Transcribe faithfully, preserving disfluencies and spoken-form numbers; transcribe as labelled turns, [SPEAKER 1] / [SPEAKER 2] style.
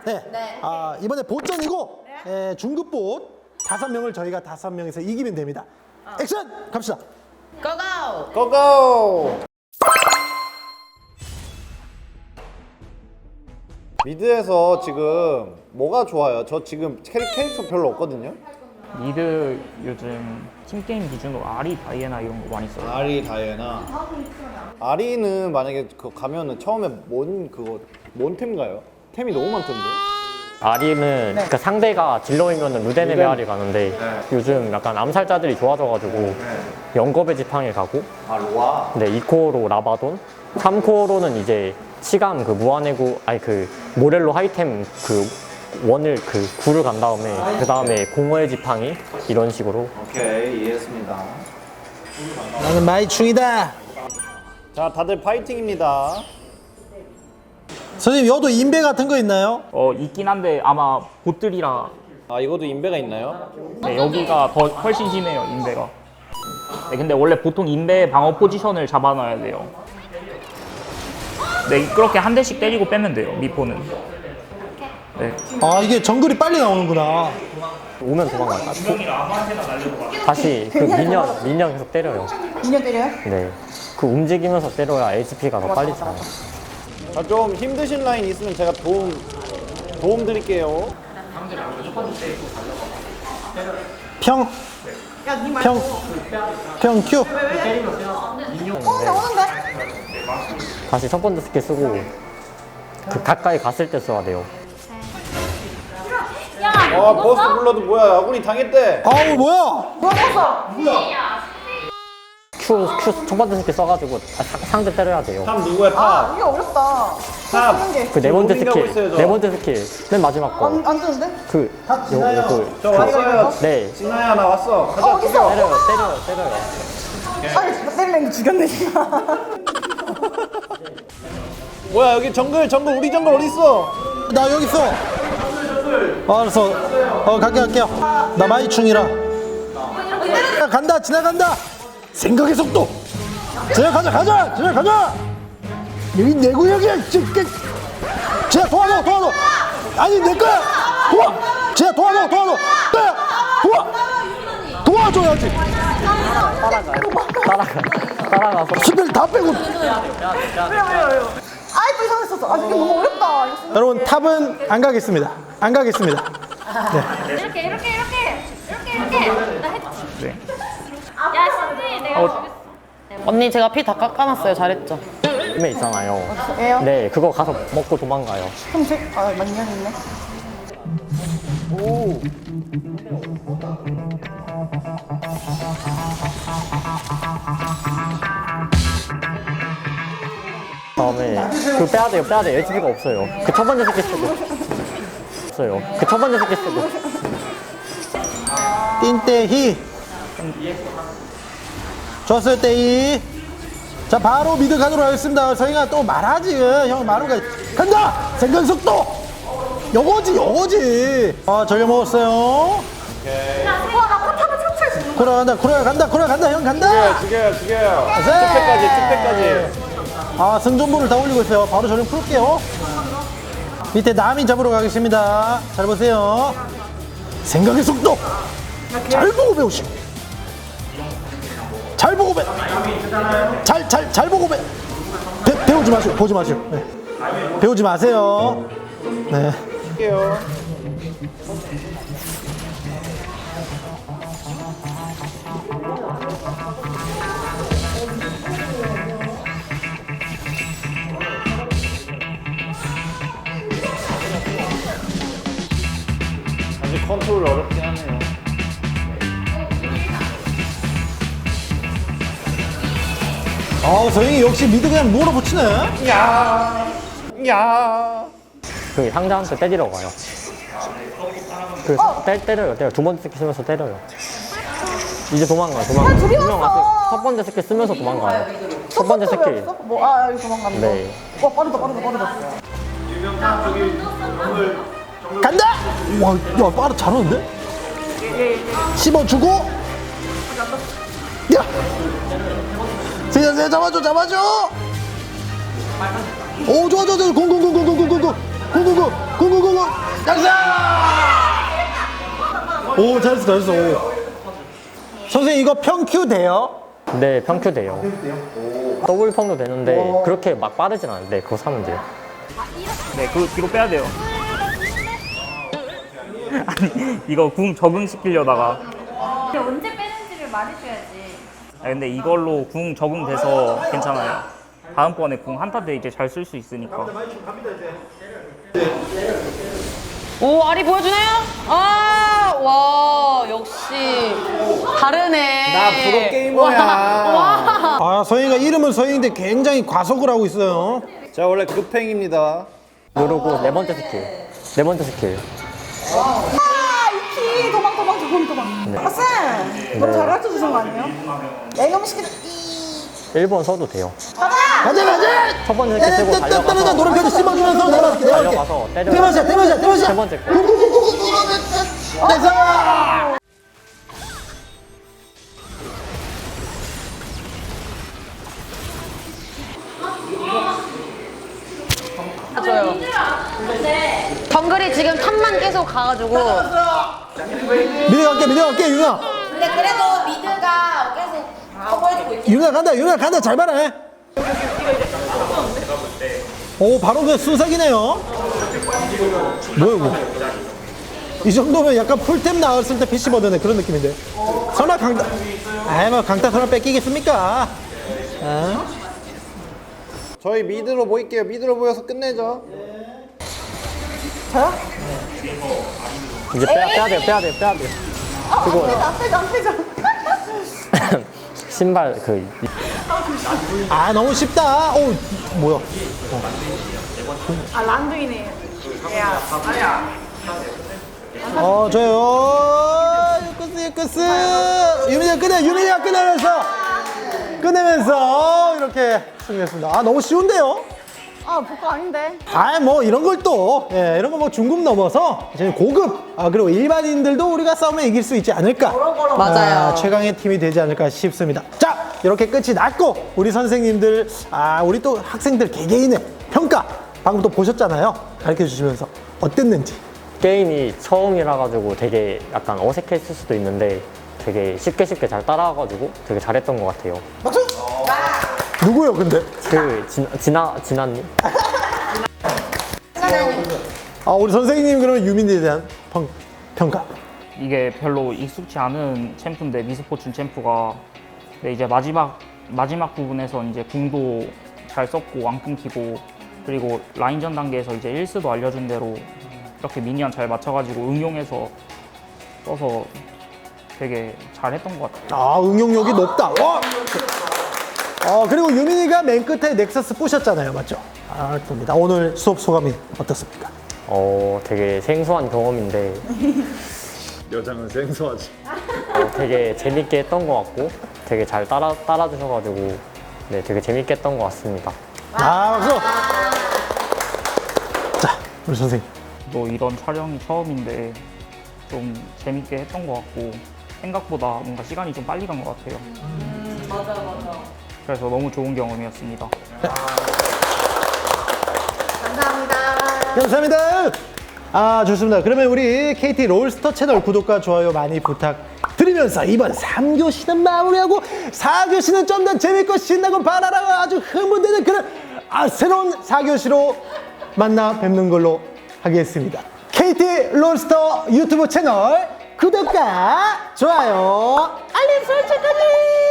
[SPEAKER 1] 네.
[SPEAKER 2] 네.
[SPEAKER 1] 아, 이번에 보전이고 예, 중급봇 다섯 명을 저희가 다섯 명에서 이기면 됩니다. 액션 갑시다.
[SPEAKER 2] 고고!
[SPEAKER 3] 고고! 미드에서 지금 뭐가 좋아요? 저 지금 캐릭, 캐릭터 별로 없거든요?
[SPEAKER 4] 미드 요즘 팀게임 기준으로 아리, 다이애나 이런 거 많이 써요.
[SPEAKER 3] 아리, 다이애나. 아리는 만약에 그 가면은 처음에 뭔 그거 뭔 템가요? 템이 너무 많던데.
[SPEAKER 5] 아리는 그 상대가 딜러이면 루덴의
[SPEAKER 3] 루덴.
[SPEAKER 5] 메아리 가는데
[SPEAKER 3] 네.
[SPEAKER 5] 요즘 약간 암살자들이 좋아져가지고 영겁의 지팡이 가고
[SPEAKER 3] 아 로아.
[SPEAKER 5] 네, 이 코어로 라바돈, 삼 코어로는 이제 치감 그 무한해구 아니 그 모렐로 하이템 그 원을 그 구를 간 다음에 그 다음에 공허의 지팡이 이런 식으로.
[SPEAKER 3] 오케이 이해했습니다.
[SPEAKER 1] 나는 마이충이다.
[SPEAKER 3] 자 다들 파이팅입니다.
[SPEAKER 1] 선생님 여도 인베 같은 거 있나요?
[SPEAKER 4] 어 있긴 한데 아마 보들이라
[SPEAKER 3] 아 이것도 인베가 있나요?
[SPEAKER 4] 네, 여기가 더 훨씬 심해요 인베가. 네, 근데 원래 보통 인베 방어 포지션을 잡아놔야 돼요. 네 그렇게 한 대씩 때리고 빼면 돼요 미포는. 네.
[SPEAKER 1] 아 이게 정글이 빨리 나오는구나.
[SPEAKER 5] 오면 도망가요. 다시 그 미니언 미니언 계속 때려요.
[SPEAKER 2] 미녀 때려요?
[SPEAKER 5] 네, 그 움직이면서 때려야 에이치피가 더 빨리 차요.
[SPEAKER 3] 자, 좀 힘드신 라인 있으면 제가 도움 도움 드릴게요.
[SPEAKER 1] 평. 평. 평 큐.
[SPEAKER 2] 오는데 오는데?
[SPEAKER 5] 다시 첫 번째 스킬 쓰고 그 가까이 갔을 때 써야 돼요.
[SPEAKER 3] 아 버스 불러도 뭐야 아군이 당했대.
[SPEAKER 1] 아우 뭐야?
[SPEAKER 2] 뭐야 먹었어?
[SPEAKER 5] Q, Q 첫 번째 스킬 써가지고 아, 사- 상대 때려야 돼요.
[SPEAKER 3] 탑 누구야
[SPEAKER 2] 아
[SPEAKER 3] 탑?
[SPEAKER 2] 이게 어렵다.
[SPEAKER 3] 탑.
[SPEAKER 2] 쓰는 게.
[SPEAKER 5] 그 네 번째
[SPEAKER 3] 로밍하고 있어요,
[SPEAKER 5] 스킬,
[SPEAKER 3] 저.
[SPEAKER 5] 네 번째 스킬, 맨 마지막 거.
[SPEAKER 2] 안, 안 뜨는데?
[SPEAKER 5] 그, 요,
[SPEAKER 1] 지나요.
[SPEAKER 5] 요, 그,
[SPEAKER 3] 저
[SPEAKER 5] 그,
[SPEAKER 3] 왔어요.
[SPEAKER 5] 네.
[SPEAKER 3] 진아야 나 왔어. 가자.
[SPEAKER 2] 어 어딨어?
[SPEAKER 5] 때려요, 때려요, 때려요.
[SPEAKER 2] 아니 때리는 게 죽였네 지금.
[SPEAKER 3] 뭐야 여기 정글 정글 우리 정글 어디 있어?
[SPEAKER 1] 나 여기 있어. 어, 알았어. 어 갈게 갈게요. 나 마이충이라. 간다 지나간다. 생각의 속도. 자 가자 가자 자 가자. 여기 내 구역이야. 자 도와줘 도와줘. 아니 내 거야. 도와. 자 도와줘 도와줘. 네. 도와. 도와줘야지.
[SPEAKER 5] 따라가, 따라가서.
[SPEAKER 1] 스펠 다 빼고.
[SPEAKER 2] 아이 또 이상했었어. 아 이게 너무 어렵다. 이거 쓰는
[SPEAKER 1] 여러분 탑은 안 가겠습니다. 안 가겠습니다.
[SPEAKER 6] 이렇게 이렇게 이렇게 이렇게 이렇게 나 했지.
[SPEAKER 4] 네.
[SPEAKER 6] 야 신지 내가
[SPEAKER 4] 어.
[SPEAKER 6] 죽였어.
[SPEAKER 7] 언니 제가 피 다 깎아놨어요. 잘했죠?
[SPEAKER 5] 힘에 있잖아요.
[SPEAKER 2] 애요?
[SPEAKER 5] 네, 그거 가서 먹고 도망가요.
[SPEAKER 2] 그럼 제, 아 만년 있네.
[SPEAKER 5] 다음에 그 빼야 돼요, 빼야 돼요. 에이치피가 없어요. 그 첫 번째 스킬 쓰고. 없어요. 그 첫 번째 스킬 쓰고.
[SPEAKER 1] 띵떼히. 좋았어요 떼이. 자 바로 미드 가도록 하겠습니다. 서영아 또 말하지. 형 말하는 거 간다. 생각 속도. 요거지 요거지. 아 전력 먹었어요.
[SPEAKER 2] 와나 포탑을 탑출할 수 있는
[SPEAKER 1] 코라 간다 코라 간다 코라 간다 형 간다.
[SPEAKER 3] 죽여요 죽여요.
[SPEAKER 1] 네.
[SPEAKER 3] 특패까지 특패까지.
[SPEAKER 1] 아 승전보를 다 올리고 있어요. 바로 전력 풀게요. 밑에 남인 잡으러 가겠습니다. 잘 보세요. 생각의 속도. 잘 보고 배우시오. 잘 보고 배. 잘 잘 잘 보고 배. 배 배우지 마시오. 보지 마시오. 네. 배우지 마세요. 네.
[SPEAKER 3] 할게요. 아직 컨트롤 어렵긴 하네요.
[SPEAKER 1] 아 서영이 역시 미드 그냥 몰아붙이네.
[SPEAKER 3] 야, 야.
[SPEAKER 5] 그 상대한테 때리러 가요. 그 때, 때려요, 때려. 두 번째 스킬 쓰면서 때려요. 이제 도망가요, 도망가요.
[SPEAKER 2] 둘이
[SPEAKER 5] 분명
[SPEAKER 2] 왔어.
[SPEAKER 5] 왔어요. 첫 번째 스킬 쓰면서 도망가요. 첫 번째 스킬.
[SPEAKER 2] 뭐아 여기 도망간다.
[SPEAKER 5] 네.
[SPEAKER 2] 와 빠르다 빠르다 빠르다.
[SPEAKER 1] 간다. 와, 야 빠르 잘하는데? 씹어주고. 야. 세야 세 잡아줘 잡아줘. 오 좋아 좋아 좋아 공공공공공공공. 구구구 구구구구 양상. 오 잘했어 잘했어. 오. 선생님 이거 평큐 돼요?
[SPEAKER 5] 네, 평큐돼요. 더블 평도 되는데 그렇게 막 빠르진 않은데 그거 사면 돼요.
[SPEAKER 4] 네, 그거 뒤로 빼야 돼요. 아니, 이거 궁 적응시키려다가.
[SPEAKER 6] 근데 언제 빼는지를 말해줘야지.
[SPEAKER 4] 아, 근데 이걸로 궁 적응돼서 괜찮아요. 다음번에 궁 한타 때 이제 잘 쓸 수 있으니까.
[SPEAKER 7] 오, 아리 보여주나요? 아, 와, 역시 다르네.
[SPEAKER 3] 나 프로 게이머야.
[SPEAKER 7] 와.
[SPEAKER 1] 아 서영이가 이름은 서영인데 굉장히 과속을 하고 있어요.
[SPEAKER 3] 제가 원래 급행입니다.
[SPEAKER 5] 누르고 네 번째 스킬. 네 번째 스킬.
[SPEAKER 2] 키 도망 도망 도망 도망. 아 쌤, 너무 잘 가르쳐 주신 거 아니에요? 애경시키는
[SPEAKER 5] 일 번 써도 돼요.
[SPEAKER 1] 가자 가자.
[SPEAKER 5] 첫 번째 스킬 쓰고
[SPEAKER 1] 따따따따
[SPEAKER 5] 달려가서
[SPEAKER 1] 노란표도 씹어주면서 내려갈게 내려갈게.
[SPEAKER 5] 달려가서 때려.
[SPEAKER 1] 대마시야 대마시야 대마시야.
[SPEAKER 5] 세 번째 거.
[SPEAKER 1] 대사.
[SPEAKER 7] 좋아요. 정글이 지금 탑만 계속 가가지고.
[SPEAKER 1] 미드 갈게 미드 갈게 유나.
[SPEAKER 2] 근데 그래도 미드가 계속 커버해주고 있긴
[SPEAKER 1] 유나 간다 유나 간다 잘 봐라. 오 바로 그 순삭이네요. 뭐야 이거. 이 정도면 약간 풀템 나왔을 때 피씨 버전의 그런 느낌인데. 설마 강타 아이 뭐 강타 설마 뺏기겠습니까? 아?
[SPEAKER 3] 저희 미드로 모일게요. 미드로 모여서 끝내죠.
[SPEAKER 5] 이제 빼야, 빼야 돼요, 빼야 돼요, 빼야 돼요. 그거
[SPEAKER 2] 안 빼자 안 빼자.
[SPEAKER 5] 신발 그
[SPEAKER 1] 아 너무 쉽다. 오 뭐야?
[SPEAKER 2] 아 란두이네. 야,
[SPEAKER 1] 어 저요 유쿠스 유쿠스 유민이가 끝내 유민이가 끝내면서 끝내면서 이렇게 승리했습니다. 아 너무 쉬운데요?
[SPEAKER 2] 아 복고 아닌데.
[SPEAKER 1] 아 뭐 이런 걸 또 예, 이런 거 뭐 중급 넘어서 이제 고급 아 그리고 일반인들도 우리가 싸우면 이길 수 있지 않을까.
[SPEAKER 7] 맞아요.
[SPEAKER 1] 아, 최강의 팀이 되지 않을까 싶습니다. 자 이렇게 끝이 났고 우리 선생님들 아 우리 또 학생들 개개인의 평가 방금 또 보셨잖아요. 가르쳐 주시면서 어땠는지.
[SPEAKER 5] 게임이 처음이라 가지고 되게 약간 어색했을 수도 있는데 되게 쉽게 쉽게 잘 따라와가지고 되게 잘했던 것 같아요.
[SPEAKER 1] 박수. 누구요 근데?
[SPEAKER 5] 그 진, 진아 진아님.
[SPEAKER 1] 아 우리 선생님 그러면 유민이에 대한 평, 평가.
[SPEAKER 4] 이게 별로 익숙치 않은 챔프인데 미스포춘 챔프가 근데 이제 마지막 마지막 부분에서 이제 궁도 잘 썼고 안 끊기고 그리고 라인전 단계에서 이제 일스도 알려준 대로 이렇게 미니언 잘 맞춰가지고 응용해서 써서 되게 잘했던 것 같아요.
[SPEAKER 1] 아 응용력이 높다. 와. 어 그리고 유민이가 맨 끝에 넥서스 부셨잖아요, 맞죠? 아 봅니다. 오늘 수업 소감이 어떻습니까?
[SPEAKER 5] 어 되게 생소한 경험인데
[SPEAKER 3] 여자는 생소하지.
[SPEAKER 5] 어, 되게 재밌게 했던 것 같고 되게 잘 따라 따라 주셔가지고 네 되게 재밌게 했던 것 같습니다.
[SPEAKER 1] 아 박수. 자 우리 선생님.
[SPEAKER 4] 또 이런 촬영이 처음인데 좀 재밌게 했던 것 같고 생각보다 뭔가 시간이 좀 빨리 간 것 같아요. 음, 맞아 맞아. 그래서 너무 좋은 경험이었습니다.
[SPEAKER 1] 감사합니다. 아 좋습니다. 그러면 우리 케이티 롤스터 채널 구독과 좋아요 많이 부탁드리면서 이번 삼 교시는 마무리하고 사 교시는 좀 더 재밌고 신나고 바라라고 아주 흥분되는 그런 아, 새로운 사 교시로 만나 뵙는 걸로 하겠습니다. 케이티 롤스터 유튜브 채널 구독과 좋아요 알림 설정까지